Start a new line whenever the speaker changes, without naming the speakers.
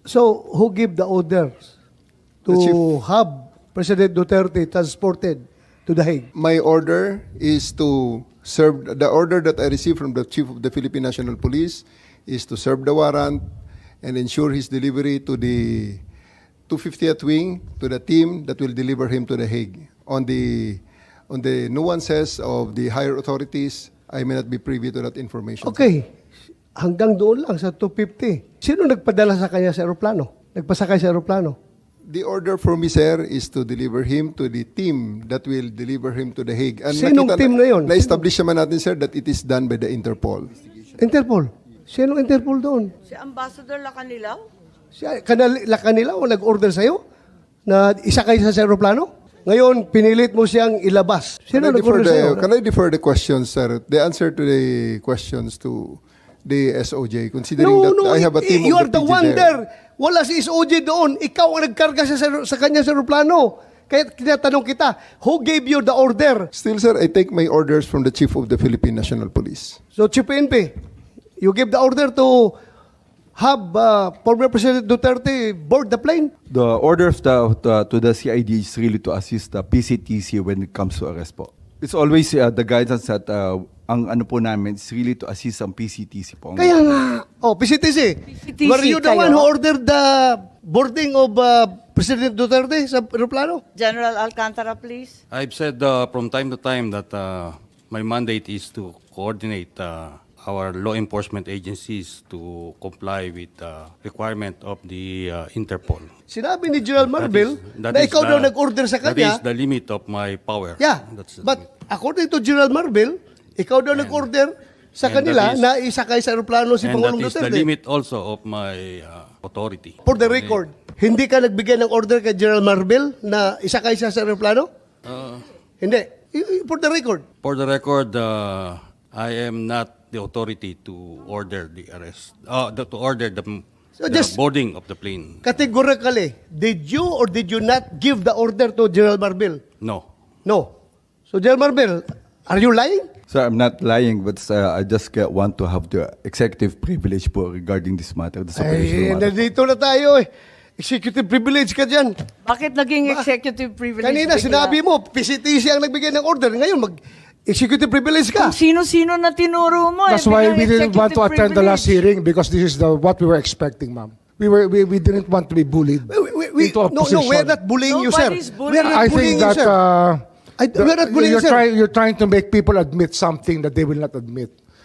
So, who gave the orders
The chief.
to have President Duterte transported to The Hague?
My order is to serve, the order that I received from the Chief of the Philippine National Police is to serve the warrant and ensure his delivery to the 250th Wing, to the team that will deliver him to The Hague. On the nuances of the higher authorities, I may not be privy to that information.
Okay. Hanggang doon lang sa 250. Sino nagpadala sa kanya sa aeroplano? Nagpasakay sa aeroplano?
The order for me, sir, is to deliver him to the team that will deliver him to The Hague. And
Sinong team na yun?
Na-establish naman natin, sir, that it is done by the Interpol.
Interpol. Sinong Interpol doon?
Si Ambassador Lacanilaw?
Kanila o nag-order sa'yo na isakay sa aeroplano? Ngayon, pinilit mo siyang ilabas. Sino nag-order sa'yo?
Can I defer the questions, sir? The answer to the questions to the SOJ, considering that I have a team
you
of
are
the
the
PG
one
there.
there. Wala si SOJ doon. Ikaw ang nagkarga sa kanya sa aeroplano. Kaya tinatanong kita, who gave you the order?
Still, sir, I take my orders from the Chief of the Philippine National Police.
So, Chief PNP, you give the order to have former President Duterte board the plane?
The order of to the CID is really to assist the PCTC when it comes to arrest po. It's always the guidance that ang ano po namin is really to assist ang PCTC po.
Kaya nga, PCTC.
PCTC
Were you the
kayo?
one who ordered the boarding of President Duterte sa aeroplano?
General Alcantara, please.
I've said from time to time that my mandate is to coordinate our law enforcement agencies to comply with the requirement of the Interpol.
Sinabi ni General Marvel
That
na
is
ikaw
the-
daw nag-order sa
That
kanya.
is the limit of my power.
Yeah,
That's the
but
limit.
according to General Marvel, ikaw daw nag-order sa
and
kanila
that is-
na isakay sa aeroplano si
And that
Pangulong
is the
Duterte.
limit also of my authority.
For the record, hindi ka nagbigay ng order kay General Marvel na isakay siya sa aeroplano? Hindi. For the record.
For the record, I am not the authority to order the arrest, to order the
So just-
boarding of the plane.
Categorically, did you or did you not give the order to General Marvel?
No.
No. So General Marvel, are you lying?
Sir, I'm not lying, but I just want to have the executive privilege po regarding this matter, this
Ay,
operational matter.
nandito na tayo eh. Executive privilege ka dyan.
Bakit naging executive privilege?
Kanina
bigla?
sinabi mo, PCTC ang nagbigay ng order. Ngayon, mag-executive privilege ka.
Kung sino-sino na tinuro mo.
That's why we didn't want to attend the last hearing because this is what we were expecting, ma'am. We didn't want to be bullied into a
No,
position.
we're not bullying you, sir.
Nobody's bullying.
We're not
I
bullying
think
you,
that
sir. We're not bullying you, sir.
you're trying to make people admit something that they will not admit.